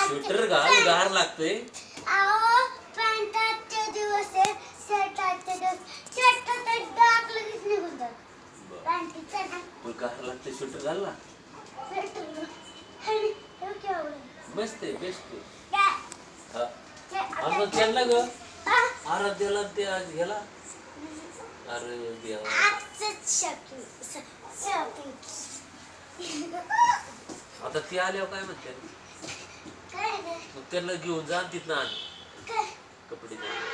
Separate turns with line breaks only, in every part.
Sweater घाल गार लागतंय.
अहो पॅन्टाचे दिवस आहे शर्टाचे दिवस शर्ट तर डाग लगेच निघून जात पॅन्टीचा
मग गार लागतंय स्वेटर घाल ना. मस्त आहे बेस्ट आहे. आणि मग त्यांना ग आराध्याला ते आज घ्याला. अरे देवा आता ती आल्यावर काय म्हणते मग त्यांना घेऊन जा आणि तिथनं आण कपडे.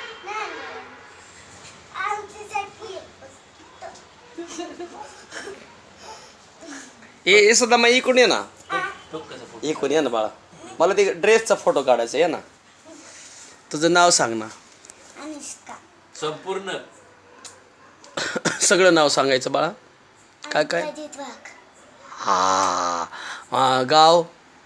ए सुद्धा मग इकडून ये ना.
तो कसा फोटो
इकडून ये ना बाळा. मला ते ड्रेसचा फोटो काढायचा आहे ना. तुझं नाव सांग ना.
अनुष्का
संपूर्ण
सगळं नाव सांगायचं बाळा. काय काय
अजित वाघ
हा गाव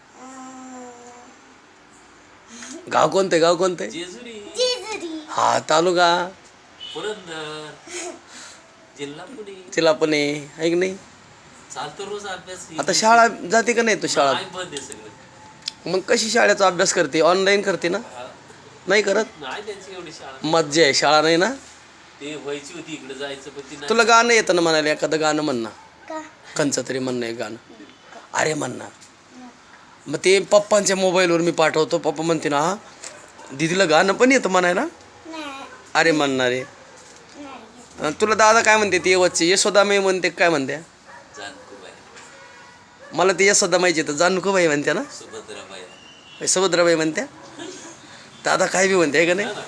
गाव कोणते गाव कोणते.
जेजुरी
जेजुरी
हा तालुका
पुरंदर जिल्हा पुणे.
तिला पण आहे की नाही.
चालतो रोज अभ्यास.
आता शाळा जाते का नाही तू शाळा.
नाही बंद आहे सगळं.
मग कशी शाळेचा अभ्यास करते ऑनलाईन करते ना.
हा.
नाही करत.
नाही त्यांची एवढी शाळा.
मज्जा आहे शाळा नाही ना.
ते व्हायची होती इकडे जायचं पण ती नाही.
तुला गाणं येतं ना म्हणाले एखादं गाणं म्हण ना.
का
कंचं तरी म्हणणं आहे गाणं. अरे म्हण ना. मग ते पप्पांच्या मोबाईलवर मी पाठवतो. पप्पा म्हणते ना हा दीदीला गाणं पण येतं म्हणायला.
नाही
अरे म्हणणार आहे.
नाही
तुला दादा काय म्हणते ते वच्चे यशोदामाई म्हणते काय म्हणते.
जानकुबाई
मला ते यशोदामाईची तर जानूबाई म्हणते ना.
सुभद्राबाई
सुभद्राबाई म्हणत्या. दादा काय बी म्हणते आहे का नाही.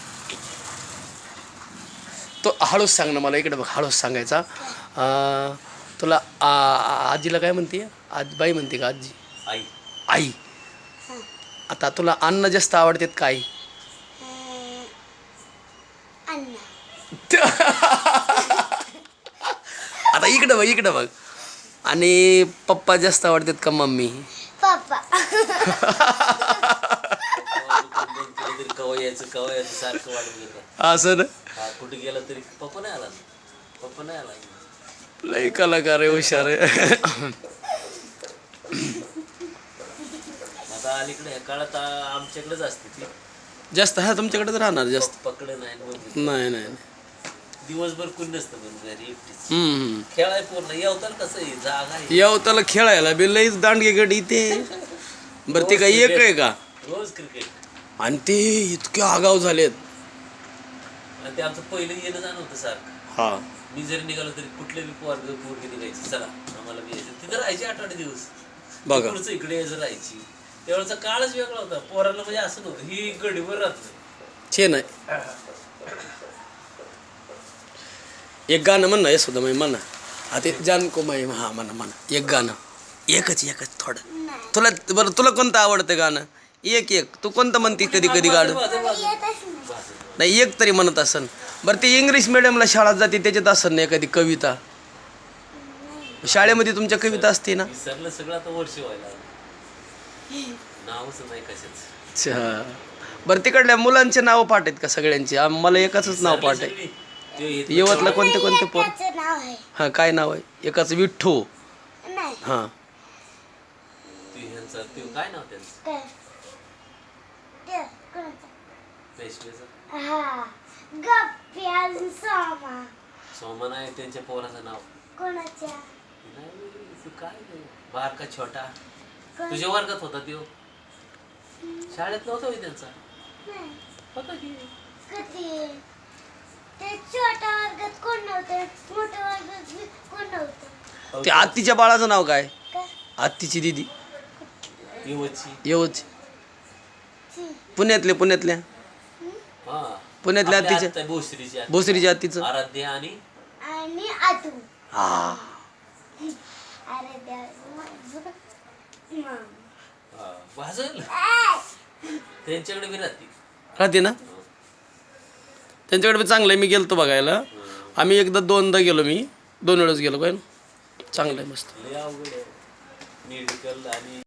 तो हळूच सांग ना मला. इकडे बघ हळूच सांगायचा. तुला आजीला काय म्हणते. आजीबाई म्हणते का आजी.
आई
आई. आता तुला अन्न जास्त आवडतात काय.
अण्णा
आता इकडं बघ. आणि पप्पा जास्त आवडतात का मम्मी.
पप्पा
कवा यायचं सारखं वाढून घेतात.
असं ना.
हा कुठे गेला तरी पप्पा नाही आला. पप्पा नाही आला.
लय कलाकार आहे हुशार आहे.
आता अलीकडे ह्या काळात आमच्याकडेच असते ती.
जास्त हा तुमच्याकडेच राहणार जास्त.
पकडे नाही मग
नाही नाही.
दिवसभर कोण नसतं पण घरी एकटीच.
हम्म.
खेळाय पूर्ण येवताल कसं आहे जागा आहे.
याव त्याला खेळायला बी लईच दांडगे गडी इथे. बरं ते काय एक आहे का.
रोज क्रिकेट.
आणि ते इतके आगाव झालेत.
आणि ते आमचं पहिलं येणं जाणं होतं सारखं.
हा
मी जरी निघालो तरी कुठले बी पोरगी निघायचं चला आम्हाला बी यायचं. तिथं राहायची 8-8 दिवस.
बघा.
पुढचं इकडे यायचं राहायची. त्यावेळेचा काळच वेगळा होता. पोराला म्हणजे असं नव्हतं ही गडीवर राहत
छे नाही. एक गाणं म्हण ना यशोदामाई म्हणा. आता जानकुमाई हा म्हणा एक गाणं. एकच थोडं.
नाही
तुला बरं तुला कोणतं आवडतं गाणं. एक तू कोणतं म्हणते कधी गाणं.
येतच नाही
नाही एक तरी म्हणत असन. बरं ते इंग्लिश मिडियमला शाळेत जाते त्याच्यात असन ना एखादी कविता. शाळेमध्ये तुमच्या कविता असते ना.
विसरलं सगळं आता वर्ष व्हायला लागलं. नावच नाही कशाच.
अच्छा. बरं तिकडल्या मुलांचे नाव पाठ आहेत का सगळ्यांचे. मला एकाच नाव पाठ आहे. यवतला कोणते पोर.
त्याचं नाव आहे
हां काय नाव आहे. एकाच विठ्ठू.
नाही
हां
ते काय नाव त्यांचं
काय ते कोणाचं
पेशवेचं.
हा गप्प्या सोमा
सोमन आहे त्यांच्या पोराचं नाव.
कोणाच्या
नाही तू काय नाही. बारका छोटा तुझ्या वर्गात होता तो. शाळेत नव्हता होय त्यांचा.
नाही
होता की.
कधी ते छोट्या वर्गात कोण नव्हतं मोठ्या वर्गात कोण नव्हतं
ते आत्तीच्या बाळाचं नाव काय.
काय
आत्तीची दिदी
येवची.
येऊच.
ची.
पुण्यातल्या
हा
पुण्यातल्या
आपल्या
आत्तीच्या
आत्या भोसरीची आत्या.
भोसरीच्या आत्तीचं.
आराध्या आणि
आणि आतू
हा
अरे देवा
भाजल त्यांच्याकडे बी
राहते ना. त्यांच्याकडे बी चांगलं आहे. मी गेलतो बघायला. आम्ही एकदा 2दा गेलो. मी 2 वेळेस गेलो काय. चांगलं आहे मस्त.
लय अवघड आहे मेडिकल आणि